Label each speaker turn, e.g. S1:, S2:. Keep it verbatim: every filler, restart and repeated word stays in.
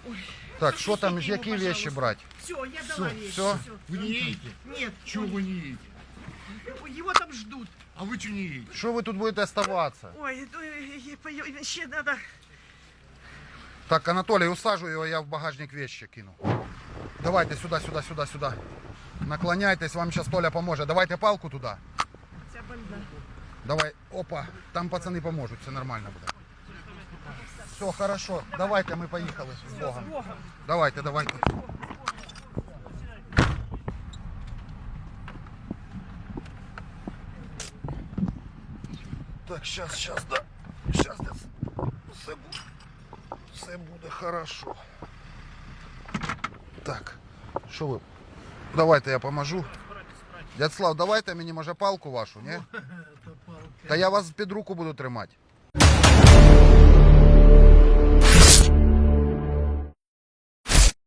S1: Так, что там,
S2: Запишите
S1: какие
S2: его,
S1: вещи
S2: пожалуйста.
S1: брать?
S2: Все, я дала вещи.
S1: Все?
S3: Вы не едете?
S2: Нет,
S3: Чего
S2: ой,
S3: вы не едете?
S2: его там ждут.
S3: А вы что не едете?
S1: Что вы тут будете оставаться?
S2: Ой, ну, э, э, пою- ще надо.
S1: Так, Анатолий, усажу его, я в багажник вещи кину. Давайте сюда, сюда, сюда, сюда. Наклоняйтесь, вам сейчас Толя поможет. Давайте палку туда.
S2: Ця больна.
S1: Давай, опа, там пацаны поможут, все нормально будет. Все, хорошо, давайте, мы поехали. С Богом.
S2: Богом.
S1: Давайте, давайте. Так, сейчас, сейчас, да. Сейчас, да. Все буде, все буде хорошо. Так, що ви? Давайте я поможу. Дядслав, давайте мені, може, палку вашу, ні? Та я вас під руку буду тримати.